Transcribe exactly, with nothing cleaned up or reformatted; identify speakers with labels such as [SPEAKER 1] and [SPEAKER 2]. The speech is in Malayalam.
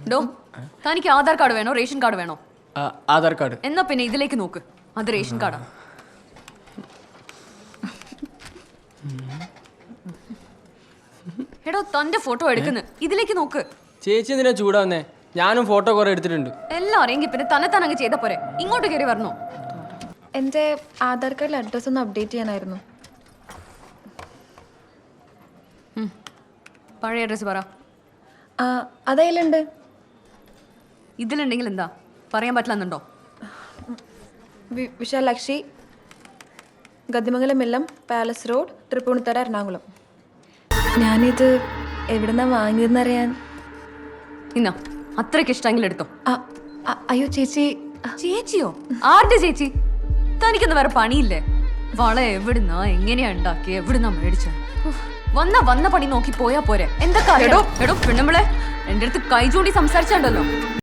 [SPEAKER 1] ഡോ തനിക്ക് ആധാർ കാർഡ് വേണോ റേഷൻ കാർഡ് വേണോ?
[SPEAKER 2] ആധാർ കാർഡ്.
[SPEAKER 1] എന്നാ പിന്നെ ഇതിലേക്ക് നോക്ക്, അത് റേഷൻ കാർഡാ. എടോ തന്റെ ഫോട്ടോ എടുക്കുന്നു, ഇതിലേക്ക് നോക്ക്.
[SPEAKER 2] ചേച്ചി എന്തിനാ ചൂടാവുന്നേ? ഞാനും ഫോട്ടോ കുറെ എടുത്തിട്ടുണ്ട്.
[SPEAKER 1] എല്ലാം അറിയെങ്കിൽ പിന്നെ തന്നെ തന്നെ അങ്ങ് ചെയ്ത പോരെ, ഇങ്ങോട്ട് കയറി വരണോ?
[SPEAKER 3] എൻ്റെ ആധാർ കാർഡിൽ അഡ്രസ്സ് ഒന്ന് അപ്ഡേറ്റ് ചെയ്യാനായിരുന്നു.
[SPEAKER 1] പഴയ അഡ്രസ് പറ.
[SPEAKER 3] അതതിലുണ്ട്.
[SPEAKER 1] ഇതിലുണ്ടെങ്കിൽ എന്താ പറയാൻ പറ്റില്ലെന്നുണ്ടോ?
[SPEAKER 3] വിശാലാക്ഷി, ഗതിമംഗലം മില്ലം, പാലസ് റോഡ്, തൃപ്പൂണിത്തറ, എറണാകുളം. ഞാനിത് എവിടെന്നാ വാങ്ങിയതെന്നറിയാൻ.
[SPEAKER 1] ഇന്നാ അത്രയ്ക്ക് ഇഷ്ടമെങ്കിൽ എടുത്തോ.
[SPEAKER 3] അയ്യോ ചേച്ചി.
[SPEAKER 1] ചേച്ചിയോ? ആരുടെ ചേച്ചി? തനിക്കൊന്നും വേറെ പണിയില്ലേ? വള എവിടുന്നാ എങ്ങനെയാ ഉണ്ടാക്കി എവിടുന്നാ മേടിച്ച? വന്ന വന്ന പണി നോക്കി പോയാ പോരെ. എന്തൊക്കെ എടോ എടോ പെണ്ണുമ്പളെ എന്റെ അടുത്ത് കൈ ചൂണ്ടി സംസാരിച്ചാണ്ടല്ലോ.